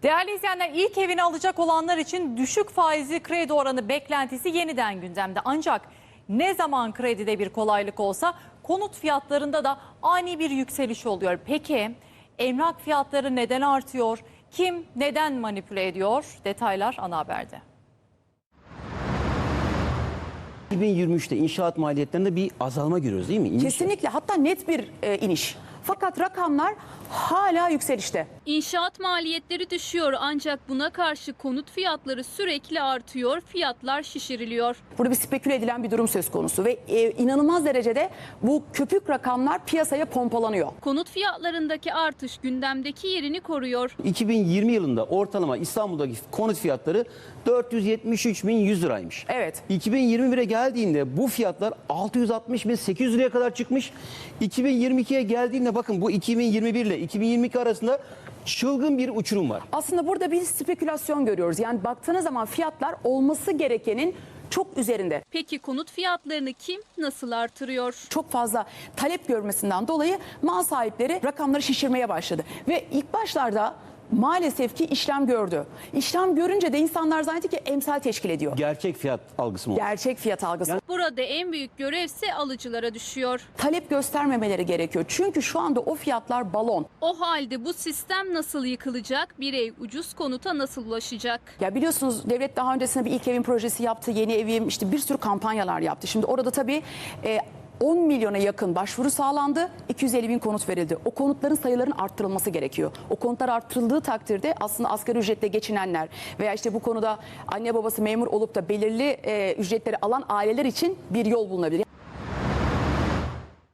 Değerli izleyenler, ilk evini alacak olanlar için düşük faizli kredi oranı beklentisi yeniden gündemde. Ancak ne zaman kredide bir kolaylık olsa konut fiyatlarında da ani bir yükseliş oluyor. Peki emlak fiyatları neden artıyor? Kim neden manipüle ediyor? Detaylar ana haberde. 2023'te inşaat maliyetlerinde bir azalma görüyoruz değil mi? İniş. Kesinlikle, hatta net bir iniş. Fakat rakamlar hala yükselişte. İnşaat maliyetleri düşüyor ancak buna karşı konut fiyatları sürekli artıyor, fiyatlar şişiriliyor. Burada bir speküle edilen bir durum söz konusu ve inanılmaz derecede bu köpük rakamlar piyasaya pompalanıyor. Konut fiyatlarındaki artış gündemdeki yerini koruyor. 2020 yılında ortalama İstanbul'daki konut fiyatları 473.100 liraymış. Evet. 2021'e geldiğinde bu fiyatlar 660.800 liraya kadar çıkmış. 2022'ye geldiğinde bakın bu 2021 ile 2022 arasında çılgın bir uçurum var. Aslında burada bir spekülasyon görüyoruz. Yani baktığınız zaman fiyatlar olması gerekenin çok üzerinde. Peki konut fiyatlarını kim nasıl artırıyor? Çok fazla talep görmesinden dolayı mal sahipleri rakamları şişirmeye başladı. Ve ilk başlarda maalesef ki işlem gördü. İşlem görünce de insanlar zannetti ki emsal teşkil ediyor. Gerçek fiyat algısı mı? Gerçek fiyat algısı. Burada en büyük görevse alıcılara düşüyor. Talep göstermemeleri gerekiyor. Çünkü şu anda o fiyatlar balon. O halde bu sistem nasıl yıkılacak? Bir ev ucuz konuta nasıl ulaşacak? Ya biliyorsunuz devlet daha öncesinde bir ilk evin projesi yaptı. Yeni evim, işte bir sürü kampanyalar yaptı. Şimdi orada tabii 10 milyona yakın başvuru sağlandı. 250 bin konut verildi. O konutların sayılarının arttırılması gerekiyor. O konutlar arttırıldığı takdirde aslında asgari ücretle geçinenler veya işte bu konuda anne babası memur olup da belirli ücretleri alan aileler için bir yol bulunabilir.